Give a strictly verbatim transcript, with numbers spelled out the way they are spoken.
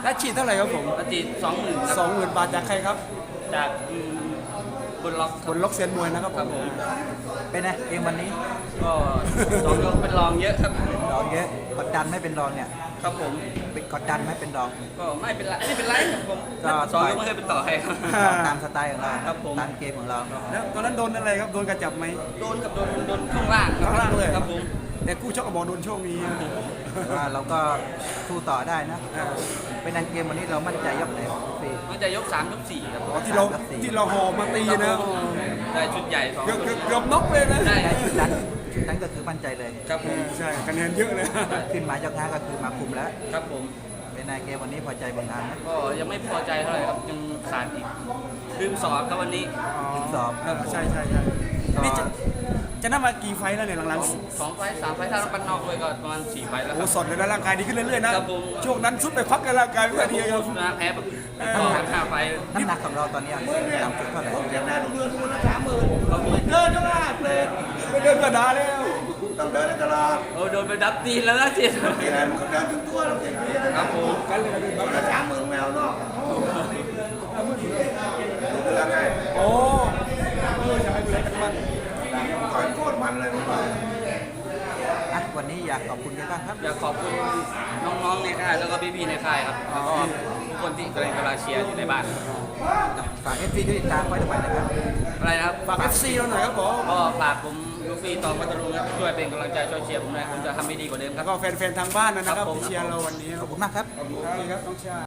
และฉีดเท่าไหร่ครับผมปฏิสองหมื่นสองหมื่นบาทจากใครครับจากอืมบนล็อกบนล็อกเซียนมวยนะครับครับผมเป็นไงเกมวันนี้ก็สองยกเป็นรองเยอะครับรองเยอะกดดันไม่เป็นรองเนี่ยครับผมเป็นกดดันไม่เป็นรองก็ไม่เป็นไรไม่เป็นไรครับผมก็สองยกไม่เคยเป็นต่อใครครับตามสไตล์ของเราครับผมตามเกมของเราแล้วตอนนั้นโดนอะไรครับโดนกระจับไหมโดนกับโดนโดนช่วงล่างข้างล่างเลยครับผมแต่กู้ชกกับบอกโดนโชคนี้แต่ว่าเราก็สู้ต่อได้นะ เป็นอันเกมวันนี้เรามั่นใจยกไหนสี่มันจะยกสามยกสี่ครับอ๋อที่เราที่เราห่อมาตีนะได้ชุดใหญ่สองเกือบเกือบเกือบน็อกเลยนะได้ได้ชุดนั้นชุดนั้นก็คือมั่นใจเลยครับผมใช่คะแนนเยอะเลยขึ้นมายกห้าก็คือมาคุมแล้วครับผมเป็นอันเกมวันนี้พอใจบนงานนะก็ยังไม่พอใจเท่าไหร่ครับยังขาดอีกลืมสอบครับวันนี้ถึงสอบเออใช่ใช่ใช่นี่จะจะนับมากี่ไฟล์แล้วเนี่ยหลังสองไฟล์สามไฟล์ถ้าเราปั้นนอกด้วยก็ประมาณสี่ไฟล์ๆแล้วคโอ้รับสดเลยนะร่างกายดีขึ้นเรื่อยๆนะครับผมช่วงนั้นสุดไปพักกันร่างกายไม่ค่อยดีครับชนะแพ้แบบต่อกันห้าไฟล์น้ำหนักของเราตอนนี้ต่ำสุดเท่าไหร่เดินตลาดเลยไม่เดินกระดาแล้วต้องเดินตลาดโอ้โดนไปดับตีนแล้วนะเจียที่ไหนมันก็เดินถึงตัวเราเก่งครับผมกันเลยนะช้างมือแมวเนาะโอ้เออจะให้ดูแลกันมันต่อยโคตรมันเลยมันอ่ะวันนี้อยากขอบคุณกันบ้างครับอยากขอบคุณน้องๆในค่ายแล้วก็พี่ๆในค่ายครับแล้วก็ทุกคนที่กำลังกำลังเชียร์อยู่ในบ้านฝากเอฟซีด้วยติดตามไว้ทุกวันนะครับอะไรนะครับฝาก เอฟ ซี เราหน่อยครับผมก็ฝากผมลูฟี่ตองพัทลุงครับช่วยเป็นกำลังใจช่วยเชียร์ผมหน่อยผมจะทำให้ดีกว่าเดิมคแล้รับวก็แฟนๆทางบ้านนะครับครับผมที่เชียร์เราวันนี้ขอบคุณมากครับขอบคุณครับน้องชา